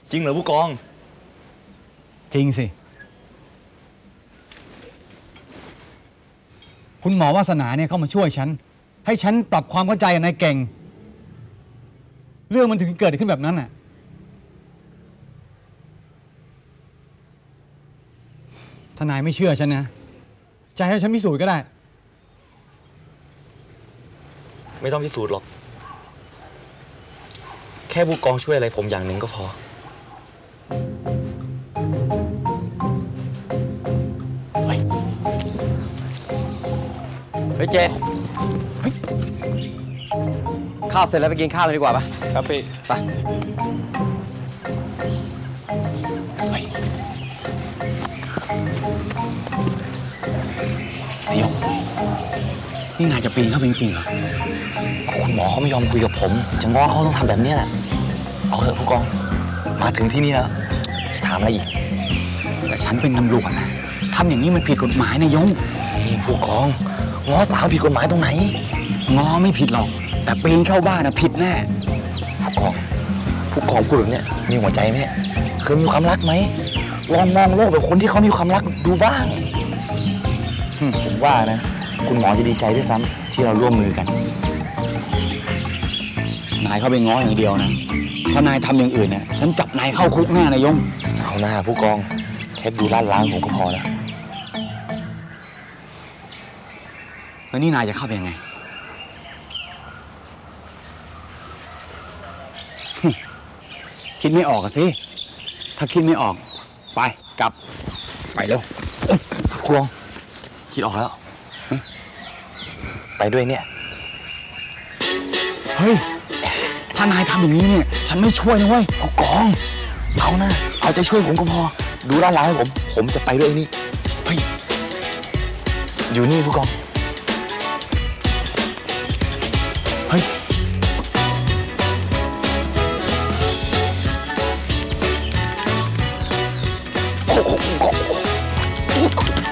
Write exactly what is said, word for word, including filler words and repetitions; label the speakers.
Speaker 1: จริงเหรอผู้กอง
Speaker 2: จริงสิคุณหมอวาสนาเนี่ยเข้ามาช่วยฉันให้ฉันปรับความเข้าใจกับนายเก่งเรื่องมันถึงเกิดขึ้นแบบนั้นน่ะถ้านายไม่เชื่อฉันนะจะให้ฉันพิสูจน์ก็ได้
Speaker 1: ไม่ต้องพิสูจน์หรอกแค่ผู้กองช่วยอะไรผมอย่างหนึ่งก็พอเฮ้ยเฮ้ยเจนข้าวเสร็จแล้วไปกินข้าวเลยดีกว่าปะครับพี่ไปนายกนี่นายจะปีนเข้าไปจริงๆเหรอคุณหมอเขาไม่ยอมคุยกับผมจะง้อเขาต้องทำแบบนี้แหละเอาเถอะผู้กองมาถึงที่นี่แล้วถามอะไรอีกแต่ฉันเป็นตำรวจนะทำอย่างนี้มันผิดกฎหมายนายงนี่ผู้กองง้อสาวผิดกฎหมายตรงไหนง้อไม่ผิดหรอกแต่ปีนเข้าบ้านนะผิดแน่ผู้กองผู้กองพูดแบบนี้มีหัวใจไหมเนี่ยเคยมีความรักไหมลองมองโลกแบบคนที่เขามีความรักดูบ้างผมว่านะคุณหมอจะดีใจด้วยซ้ำที่เราร่วมมือกันนายเข้าไปง้ออย่างเดียวนะถ้านายทำอย่างอื่นเนี่ยฉันจับนายเข้าคุกแน่นายยงเอาหน้าผู้กองแค่ดูลาดล้างผมก็พอแล้วแล้วนี่นายจะเข้าไปยังไงคิดไม่ออกอะสิถ้าคิดไม่ออกไปกลับไปเร็วผู้กองคิดออกแล้วไปด้วยเนี่ยเฮ้ยถ้านายทำอย่างนี้เนี่ยฉันไม่ช่วยนะเว้ยผู้กองเอานะเอาใจช่วยผมก็พอดูด้านหลังให้ผมผมจะไปด้วยนี่เฮ้ยอยู่นี่ผู้กองเฮ้ยโอ้โห